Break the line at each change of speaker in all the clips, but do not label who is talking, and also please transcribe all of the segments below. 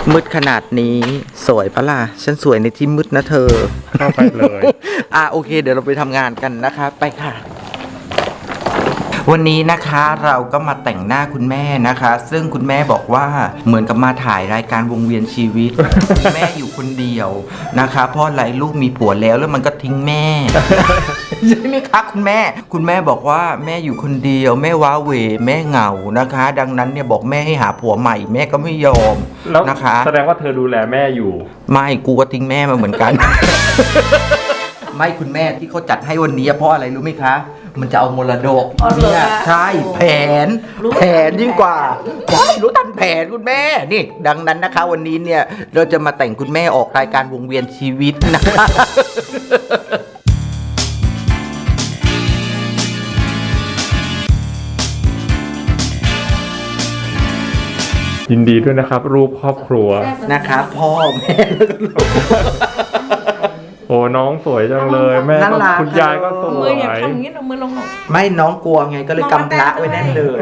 มืดขนาดนี้สวยปะล่ะฉันสวยในที่มืดนะเธอ
เข้าไปเลย
โอเคเดี๋ยวเราไปทำงานกันนะคะไปค่ะวันนี้นะคะเราก็มาแต่งหน้าคุณแม่นะคะ ซึ่งคุณแม่บอกว่าเหมือนกับมาถ่ายรายการวงเวียนชีวิต แม่อยู่คนเดียวนะคะเพราะอะไรลูกมีผัวแล้วมันก็ทิ้งแม่ ใช่ไหมคะคุณแม่บอกว่าแม่อยู่คนเดียวแม่ว้าเหวแม่เหงานะคะ ดังนั้นเนี่ยบอกแม่ให้หาผัวใหม่แม่ก็ไม่ยอมนะคะ
แสดงว่าเธอดูแลแม่อยู่
ไม่กูก็ทิ้งแม่มาเหมือนกัน ไม่คุณแม่ที่เขาจัดให้วันนี้เพราะอะไรรู้ไหมคะมันจะเอามรดกเนี่ยใช่แผนยิ่งกว่าใช่รู้ทันแผนคุณแม่นี่ดังนั้นนะคะวันนี้เนี่ยเราจะมาแต่งคุณแม่ออกรายการวงเวียนชีวิตนะคะ
ยินดีด้วยนะครับรูปครอบครัว
นะครับพ่อแม่
โอ้น้องสวยจังเลยแม่คุณยายก็สวยมืออย่า
ทำอย่างนี้เอามือลง
ไม่น้องกลัวไงก็เลยกำพระไว้แน่นเลย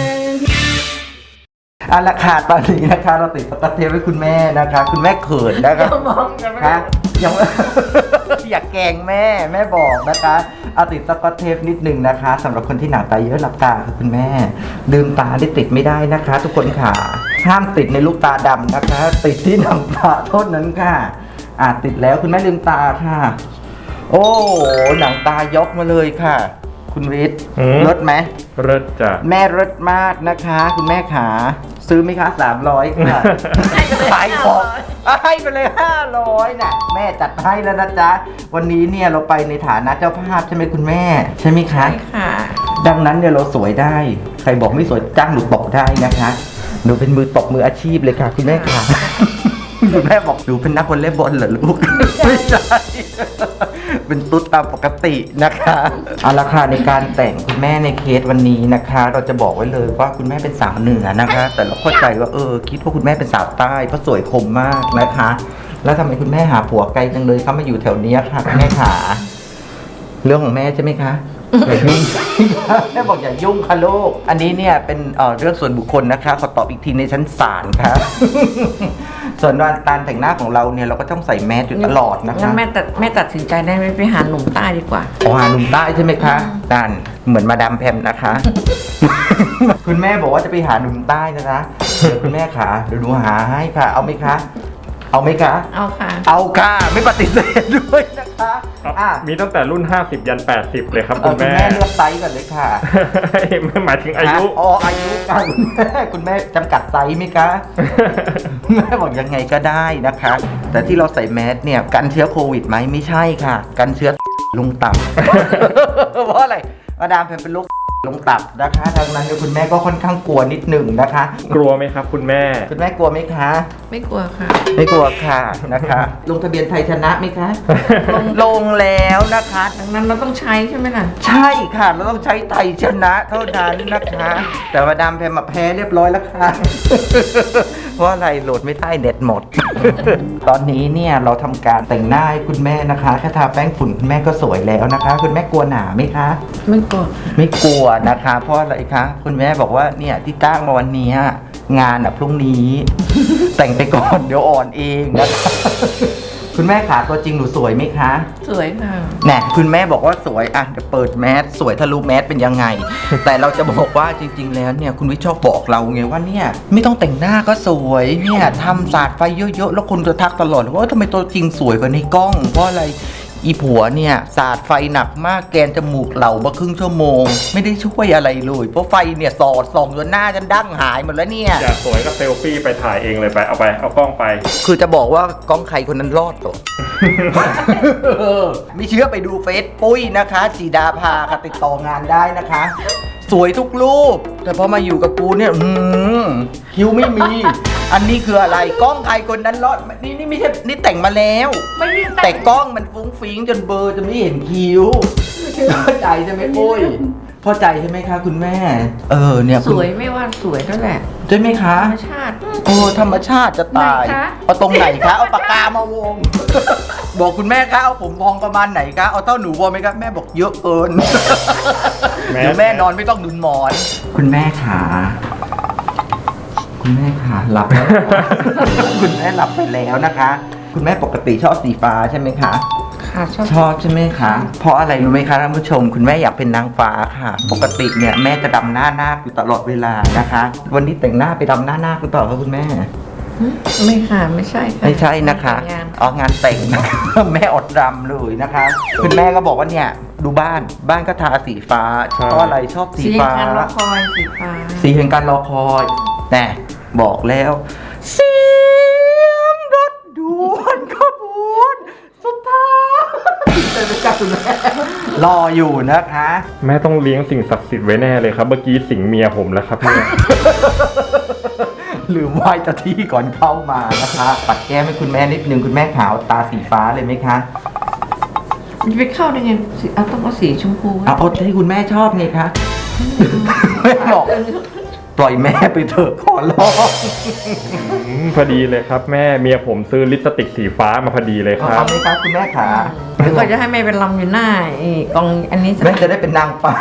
เอาละค่ะตอนนี้นะคะเราติดสก๊อตเทปไว้คุณแม่นะคะคุณแม่เขินนะคะคะยังอยากแกล้งแม่บอกนะคะเอาติดสก๊อตเทปนิดหนึ่งนะคะสำหรับคนที่หนังตาเยอะหลับตาค่ะคุณแม่ลืมตาได้ติดไม่ได้นะคะ ทุกคนค่ะห้ามติดในลูกตาดำนะคะติดที่หนังตาโทษนั้นค่ะติดแล้วคุณแม่ลืมตาค่ะโอ้หนังตายกมาเลยค่ะคุณฤทธิ์เลิศไหม
เลิศจ้ะ
แม่เลิศมากนะคะคุณแม่ขาซื้อไหมคะ300ค่ะขายของให้ไปเลย500น่ะแม่จัดให้แล้วนะจ๊ะวันนี้เนี่ยเราไปในฐานะเจ้าภาพใช่ไหมคุณแม่ใช่ไหมคะ
ใช่ค่ะ
ดังนั้นเนี่ยเราสวยได้ใครบอกไม่สวยจ้างหนูตบได้นะคะหนูเป็นมือตบมืออาชีพเลยค่ะคุณแม่ค่ะคุณแม่บอกหนูเป็นนักวอลเลย์บอลเหรอลูกไม่ใช่เป็นตุ๊ดตามปกตินะคะเอาละค่ะในการแต่งคุณแม่ในเคสวันนี้นะคะ เราจะบอกไว้เลยว่าคุณแม่เป็นสาวเหนือนะคะ แต่เราเข้าใจว่าคิดว่าคุณแม่เป็นสาวใต้เพราะสวยคมมากนะคะ แล้วทำไมคุณแม่หาผัวไกลจังเลยเขามาอยู่แถวนี้ค่ะคุณแม่ขาเรื่องของแม่ใช่ไหมคะอย่ายุ่งแม่บอกอย่ายุ่งค่ะลูกอันนี้เนี่ยเป็นเรื่องส่วนบุคคลนะคะขอตอบอีกทีในชั้นศาลครับส่วนการแต่งหน้าของเราเนี่ยเราก็ต้องใส่แมสอยู่ตลอดนะคะ
งั้นแม่ตัดสินใจได้ไหมไปหาหนุ่มใต้ดีกว่า
หาหนุ่มใต้ใช่ไหมคะนั่นเหมือนมาดามแพมนะคะ คุณแม่บอกว่าจะไปหาหนุ่มใต้นะคะเดี๋ยวคุณแม่ขาเดี๋ยวหนูหาให้ค่ะเอาไหมคะเอาไหมคะ
เอาค่ะ
ไม่ปฏิเสธด้วยนะคะ
มีตั้งแต่รุ่น50ยัน80เลยครับคุณแม่
เลือกไซส์ก่อนเลยค่ะ
ไม่หมายถึงอายุ
อายุค่ะคุณแม่จำกัดไซส์ไหมคะแม่บอกยังไงก็ได้นะคะแต่ที่เราใส่แมสเนี่ยกันเชื้อโควิดไหมไม่ใช่ค่ะกันเชื้อลงตับเพราะอะไรมาดามเป็นโรคลงตับนะคะดังนั้นคุณแม่ก็ค่อนข้างกลัวนิดหนึ่งนะคะ
กลัวไหมครับคุณแม่
กลัวไหมคะ
ไม่กลัวค่ะ
ไม่กลัวค่ะนะคะลงทะเบียนไทยชนะไหมคะลงแล้วนะคะ
ดังนั้นเราต้องใช้ใช่ไหมล่ะ
ใช่ค่ะเราต้องใช้ไทยชนะเท่านั้นนะคะแต่มาดามมาแพ้เรียบร้อยแล้วค่ะเพราะอะไรโหลดไม่ได้เน็ตหมด ตอนนี้เนี่ยเราทำการแต่งหน้าให้คุณแม่นะคะแค่ทาแป้งฝุ่นคุณแม่ก็สวยแล้วนะคะคุณแม่กลัวหนาไหมคะ
ไม่ก
ลัวนะคะเพราะอะไรคะคุณแม่บอกว่าเนี่ยที่จ้างมาวันนี้งานพรุ่งนี้ แต่งไปก่อนเดี๋ยวอ่อนเองนะคะคุณแม่ขาตัวจริงหนูสวยไหมคะ
สวยค่ะ
เนี่ยคุณแม่บอกว่าสวยเดี๋ยวเปิดแมสสวยทะลุแมสเป็นยังไง แต่เราจะบอกว่าจริงๆแล้วเนี่ยคุณวิชอบบอกเราไงว่าเนี่ยไม่ต้องแต่งหน้าก็สวยเนี่ยทำสาดไฟเยอะๆแล้วคนจะทักตลอดว่าทำไมตัวจริงสวยกว่าในกล้องเพราะอะไรอีผัวเนี่ยสาดไฟหนักมากแกนจมูกเหล่ามาครึ่งชั่วโมงไม่ได้ช่วยอะไรเลยเพราะไฟเนี่ยสอดส่องจนหน้าฉันดั้งหายหมดแล้วเนี่ย
อยากสวยก็เซลฟี่ไปถ่ายเองเลยไปเอากล้องไป
คือจะบอกว่ากล้องใครคนนั้นรอดตัว ไม่เชื่อไปดูเฟซปุ้ยนะคะจีดาภาค่ะติดต่องานได้นะคะสวยทุกรูปแต่พอมาอยู่กับกูเนี่ยคิ้วไม่มีอันนี้คืออะไรกล้องใครคนนั้นรอดนี่ไม่ใช่นี่แต่งมาแล้วแต่กล้องมันฟุ้งฟิ้งจนเบลอจะไม่เห็นคิ้วเข้าใจใช่ไหมปุ้ยเข้าใจใช่ไหมคะคุณแม่เนี่ย
สวยไม่ว่าสวยนั่นแหละ
ใช่ไหมคะ
ธรรมชาติ
ธรรมชาติจะตายเอาตรงไหนคะเอาปากกามาวงบอกคุณแม่คะเอาผมพองประมาณไหนคะเอาเท่าหนูพอไหมคะแม่บอกเยอะเกินเดี๋ยวแม่นอนไม่ต้องหนุนหมอนคุณแม่ขาคุณแม่ค่ะหลับแล้ว คุณแม่หลับไปแล้วนะคะ คุณแม่ปกติชอบสีฟ้าใช่ไหมคะ
ค่ะชอบ
ชอบใช่ไหมคะ เพราะอะไรรู้ไหมคะท่านผู้ชม คุณแม่อยากเป็นนางฟ้าค่ะ ปกติเนี่ยแม่จะดำหน้านาคอยู่ตลอดเวลานะคะ วันนี้แต่งหน้าไปดำหน้านาคหรือเปล่าคะคุณแม่
ไม่ค่ะไม่ใช่ค่ะ
ไม่ใช่นะคะ
งาน
เอางานแต่งนะคะ แม่อดรำเลยนะคะ คุณแม่ก็บอกว่าเนี่ยดูบ้านก็ทาสีฟ้าเพราะอะไรชอบสี
สี
ฟ้า
การรอคอยสีฟ้า
สีแห่งการรอคอยแต่บอกแล้วเสียงรถด่วนขบวนสุดท้ายเป็นไปกับคุณแม่รออยู่นะคะ
แม่ต้องเลี้ยงสิ่งศักดิ์สิทธิ์ไว้แน่เลยครับ เมื่อกี้สิงเมียผมแล้วครับเนี่ย
ลืมไหว้เจ้าที่ก่อนเข้ามานะคะปัดแก้มให้คุณแม่นิดนึงคุณแม่ขาวตาสีฟ้าเลยไหมคะ
มันจะไปเข้าได้ไงเอาต้องเอาสีชมพู
เอาที่คุณแม่ชอบไงคะแม่บอกปล่อยแม่ไปเถอะขอร้อง
พอดีเลยครับแม่เมียผมซื้อลิปสติกสีฟ้ามาพอดีเลยครั
เอา
บ
ไหมครับคุณแม่ขา
หรือก็จะให้แม่เป็นลำอยู่หน้าไอ้กองอันนี้
แม่จะได้เป็นนางฟ้า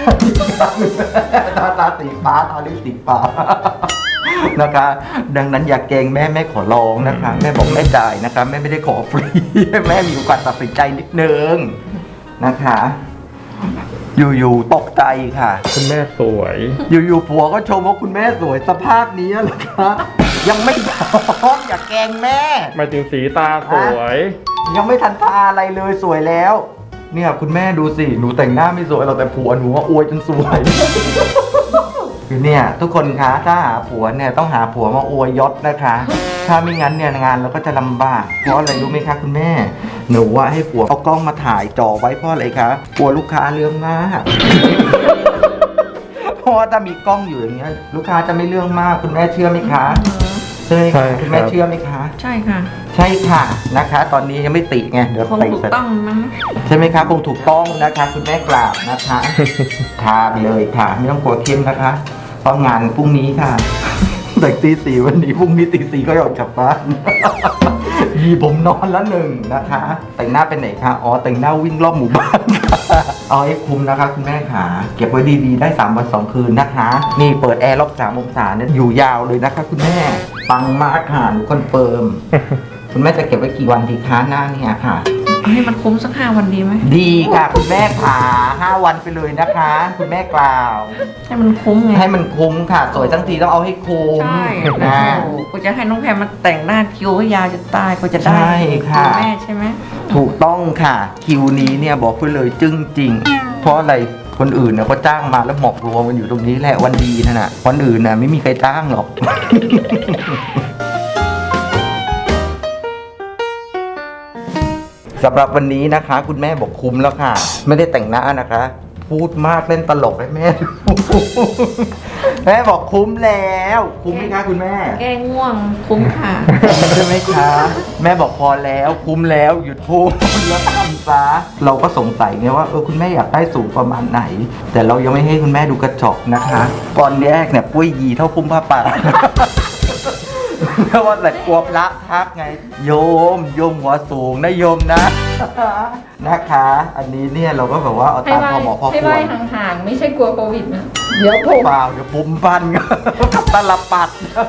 ตาสีฟ้าตาลิปสีฟ้านะคะ ดังนั้นอย่าเกรงแม่ขอร้องนะคะ แม่บอกแม่จ่ายนะคะแม่ไม่ได้ขอฟรี แม่มีโอกาสตัดสินใจนิดนึงนะคะ อยู่ๆตกใจค่ะ
คุณแม่สวย
อยู่ๆผัวก็ชมว่าคุณแม่สวยสภาพนี้เหรอคะยังไม่พร้อมอย่าแกล้งแม่
หมายถึงสีตาสวย
ยังไม่ทันทาอะไรเลยสวยแล้ว เนี่ยคุณแม่ดูสิหนูแต่งหน้าไม่สวยหรอกแต่ผัวหนูว่าอวยจนสวย คือเนี่ยทุกคนคะถ้าหาผัวเนี่ยต้องหาผัวมาอวยยศนะคะ ถ้าไม่งั้นเนี่ยงานเราก็จะลำบากเพราะอะไรรู้ไหมคะคุณแม่ หนูว่าให้ผัวเอากล้องมาถ่ายจ่อไว้เพราะอะไรคะกลัวลูกค้าเรื่องมาก เพราะว่าถ้ามีกล้องอยู่อย่างเงี้ยลูกค้าจะไม่เรื่องมากคุณแม่เชื่อไหมคะใช่ไหม
ใช่
คะ
ครับ
คุณแม่เชื่อไหมคะ
ใช่ค่ะ
ใช่ค่ะนะคะ ตอนนี้ยังไม่ติไงเดี๋ยว
คง
ติ
ถูก
เสร็จ
ต้องมั้ง
ใช่ไหมคะคงถูกต้องนะคะ คุณแม่กราบนะคะ ทาไปเลยค่ะไม่ต้องกลัวเข้มนะคะเพราะงานพรุ่งนี้ค่ะ แต่งตีสี่วันนี้พรุ่งนี้ตีสี่ก็ออกจากบ้าน มีผมนอนละหนึ่งนะคะ แต่งหน้าเป็นไหนคะอ๋อแต่งหน้าวิ่งรอบหมู่บ้านค่ะเอาให้คุ้มนะคะคุณแม่ขาเก็บไว้ดีๆได้3 วัน 2 คืนนะคะ นี่เปิดแอร์รอบ3 องศาเนี่ยอยู่ยาวเลยนะคะ คุณแม่ปังมากค่ะหนูคอนเฟิร์ม คุณแม่จะเก็บไว้กี่วันดีคะหน้าเนี่ยค่ะ
ให้มันคุ้มสัก5 วันดีไหม
ดีค่ะคุณแม่ขา5 วันไปเลยนะคะ คุณแม่กล่าว
ให้มันคุ้มไง
ให้มันคุ้มค่ะ สวยทั้งทีต้องเอาให้คุ้ม
ใช่
นะ
โอ้โหกูจะให้น้องแพรมาแต่งหน้าคิ้วให้ยาวจะตายกูจะได้
ใช่ค่ะ
ณแม่ใช่ไหม
ถูกต้องค่ะ คิวนี้เนี่ยบอกไปเลยจึ้งจริง เพราะอะไรคนอื่นเนี่ยก็จ้างมาแล้วหมอกรวมกันอยู่ตรงนี้แหละวันดีนั่นน่ะวันอื่นน่ะไม่มีใครจ้างหรอก สำหรับวันนี้นะคะ คุณแม่บอกคุ้มแล้วค่ะ ไม่ได้แต่งหน้านะคะ พูดมากเล่นตลกให้แม่ดู แม่บอกคุ้มแล้ว คุ้มไหมคะคุณแม่
แก้ง่วงคุ้มค่ะ
ใช่ไหมคะ แม่บอกพอแล้วคุ้มแล้วหยุดพูดแล้วทำซะเราก็สงสัยไงว่าคุณแม่อยากได้สูงประมาณไหน แต่เรายังไม่ให้คุณแม่ดูกระจกนะคะก่อนแรกเนี่ยปุ้ยยีเท่าพุ่มผ้าป่า เพราะว่าแต่กลัวพระทักไง โยมหัวสูงนะโยมนะ นะคะ อันนี้เนี่ยเราก็แบบว่าเอา
ให้
ตาม
ไหว้
พอเหมาะพอ
ให้
ค
ไห
ว
ว้
ร
ห่างๆ ไม่ใช่กลัวโควิดนะ เดี๋ยวผม
เปล่าเดี๋ยวปุ่มพัน กับตลปัด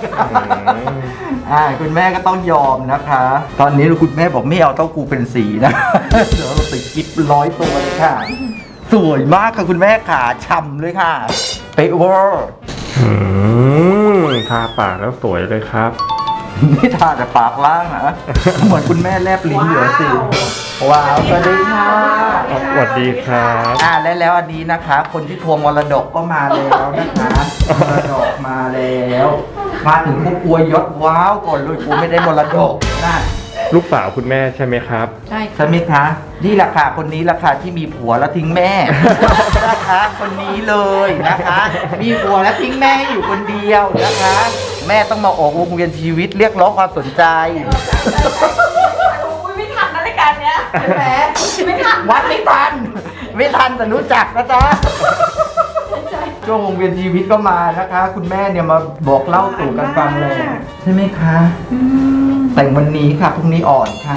คุณแม่ก็ต้องยอมนะคะ ตอนนี้คุณแม่บอกไม่เอาเต้ากูเป็นสีนะ เดี๋ยวเราติดกิ๊บ100 ตัวเลยค่ะ สวยมากค่ะคุณแม่ขาฉ่ำเลยค่ะ เป๊ะเวอร์
ทาปากแล้วสวยเลยครับ
นี่ทาแต่ปากล่างนะ เหมือนคุณแม่แลบลิ้นอยู่สิว้าวสวัสดีค่ะ
สวัสดีครับ
แล้วอันนี้นะคะ คนที่ทวงมรดกก็มาแล้วนะคะมรดกมาแล้ว มาถึงพวกอวยยศว้าวก่อนเลยกูไม่ได้มรดกนะ
ลูกสาวคุณแม่ใช่ไหมครับ
ใช่
ใช่ไหมคะ นี่แหละค่ะคนนี้แหละค่ะที่มีผัวแล้วทิ้งแม่ นะคะคนนี้เลยนะคะ มีผัวแล้วทิ้งแม่ให้อยู่คนเดียวนะคะ แม่ต้องมาออกวงเวียนชีวิตเรียกร้องความสนใจ
ไม่ทันนะรายการเนี้ย
ใช่ไหม
ไม่ทัน
วัดไม่ทัน ไม่ทันแต่รู้จักนะจ๊ะช่วงวงเวียนชีวิตก็มานะคะ คุณแม่เนี่ยมาบอกเล่าสู่กันฟังเลยใช่ไหมคะ แต่งวันนี้ค่ะพรุ่งนี้อ่อนค่ะ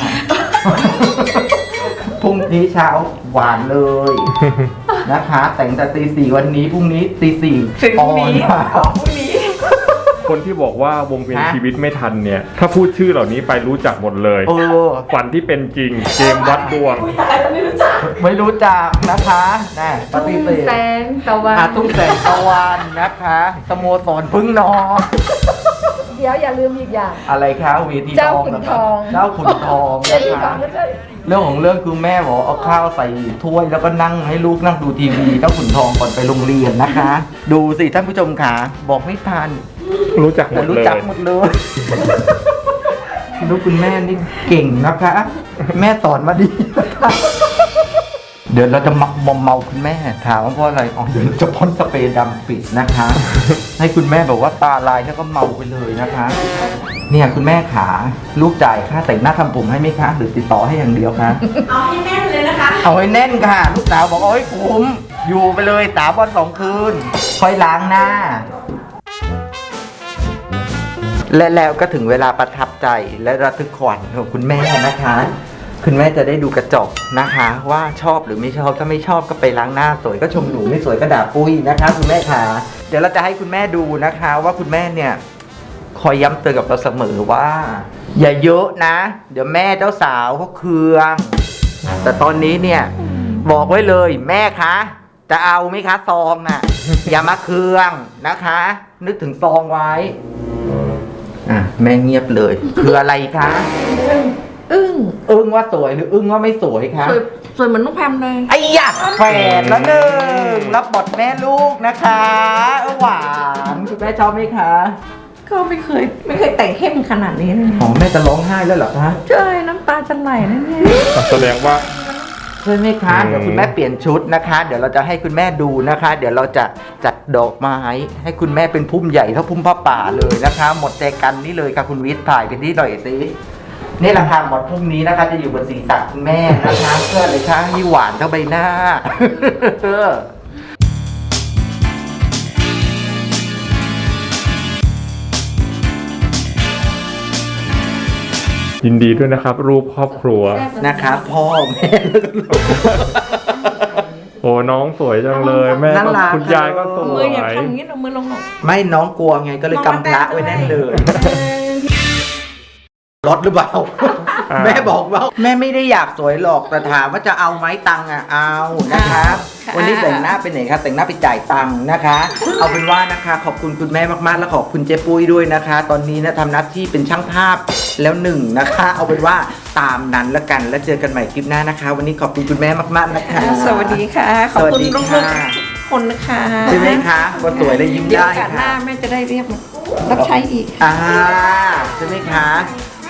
พรุ่งนี้เช้าหวานเลยนะคะ แต่งแต่ตี 4วันนี้พรุ่งนี้ตี 4
ถึง
อ่อ
นี้
นค่ะ
พรุ่งนี้
คนที่บอกว่าวงเวียน
ฮะ
ชีวิตไม่ทันเนี่ย ถ้าพูดชื่อเหล่านี้ไปรู้จักหมดเลย
เออ
ฝันที่เป็นจริง เกมวัดดวง
อุ้ยตายแล้วไม่รู้จัก
ไม่รู้จักนะคะน่ป
ตุ้
ฏิ
ง
เสธ
แสงตะวัน
ตุ้งแสงตะวันนะคะสโมสรพึ่งนอน
เดี๋ยวอย่าลืมอีกอย่าง
อะไรคะเวที
เจ้า
ทอง
ขุน
นะ
ท
คะ
อง
เจ้าขุนทอง
เดี๋ยว
นะ
อีก
คะ
ไม่ใช่
เรื่องของเรื่องคือแม่บอกเอาข้าวใส่ถ้วยแล้วก็นั่งให้ลูกนั่งดูทีวีเจ้าขุนทองก่อนไปโรงเรียนนะคะ ดูสิท่านผู้ชมขาบอกไม่ทัน
รู้จักหม
แต่
ด
รู้
เลย
จักหมดเลย ลูกคุณแม่นี่เก่งนะคะ แม่สอนมาดีนะคะเดี๋ยวเราจะเมาคุณแม่ถามว่าเพราะอะไรอ๋อเดี๋ยวเราจะพ่นสเปรย์ดำปิดนะคะ ให้คุณแม่แบบว่าตาลายแล้วก็เมาไปเลยนะคะ เนี่ยคุณแม่ขาลูกจ่ายค่าแต่งหน้าทำผมให้ไหมคะหรือติดต่อให้อย่างเดียวคะ
เอาให้แน่นเลยนะคะ
เอาให้แน่นค่ะ ลูกสาวบอกเอาให้คุ้มอยู่ไปเลย3 วัน 2 คืนค่อยล้างหน้า และแล้วก็ถึงเวลาประทับใจและระทึกขวัญของคุณแม่นะคะ คุณแม่จะได้ดูกระจกนะคะ ว่าชอบหรือไม่ชอบถ้าไม่ชอบก็ไปล้างหน้าสวยก็ชมหนูไม่สวยก็ด่าปุ้ยนะคะคุณแม่ค่ะเดี๋ยวเราจะให้คุณแม่ดูนะคะ ว่าคุณแม่เนี่ย คอยย้ำเตือนกับเราเสมอว่า อย่าเยอะนะ เดี๋ยวแม่เจ้าสาวเขาเคือง แต่ตอนนี้เนี่ย บอกไว้เลยแม่คะ จะเอาไหมคะซองน่ะ อย่ามาเคืองนะคะ นึกถึงซองไว้อ่ะแม่เงียบเลย คืออะไรคะ
อึ้ง
อึ้งว่าสวยหรืออึ้งว่าไม่สวยคะ
สวยเหมือนน้องแพมเลย
ไอ้ยะแฝดละหนึ่งรับบทแม่ลูกนะคะหวานคุณแม่ชอบไหมคะ
ก็ไม่เคยแต่งเข้มขนาดนี้เลย
อ๋อแม่จะร้องไห้แล้วเหรอคะ
ใช่น้ำตาจะไหลแน่
แสดงว่า
ใช่ไหมคะ เดี๋ยวคุณแม่เปลี่ยนชุดนะคะ เดี๋ยวเราจะให้คุณแม่ดูนะคะ เดี๋ยวเราจะจัดดอกไม้ให้คุณแม่เป็นพุ่มใหญ่เท่าพุ่มผ้าป่าเลยนะคะ หมดใจกันนี่เลยค่ะคุณวิทย์ถ่ายเป็นที่หน่อยสินี่ราคาหมดพุ่มนี้นะคะ จะอยู่บนศีรษะคุณแม่นะคะเพื่ออะไรคะให้หวานเท่าใบหน้า
ยินดีด้วยนะครับ รูปครอบครัว
นะคะพ่อแม่แล้วก็ลูก
โอ้น้องสวยจังเลย แม่
น่า
ก็
รัก
คุณยายก็ส
ๆ
ว
มืออย่าย ทำอย่างนี้เอามือลงหรอก
ไม่น้องกลัวไงก็เลยกำพระไว้แน่นเลยรถหรือเปล่า แม่บอกว่าแม่ไม่ได้อยากสวยหรอกแต่ถามว่าจะเอาไหมตังค์อ่ะเอานะคะ วันนี้แต่งหน้าไปไหนคะแต่งหน้าไปจ่ายตังค์นะคะ เอาเป็นว่านะคะ ขอบคุณคุณแม่มากๆและขอบคุณเจ๊ปุ้ยด้วยนะคะ ตอนนี้นะทำหน้าที่เป็นช่างภาพแล้วหนึ่งนะคะ เอาเป็นว่าตามนั้นละกันแล้วเจอกันใหม่คลิปหน้านะคะ วันนี้ขอบคุณคุณแม่มากๆนะคะ
สวัสดีค่ะ ขอบคุณลูกๆทุกคนนะคะ
ใช่ไหมคะก็สวยและยิ้ม
เดี๋ยว
ได้
โอกาสหน้า
ค่ะ
แม่จะได้เรียกมารับใช้อีก
ใช่ไหมคะ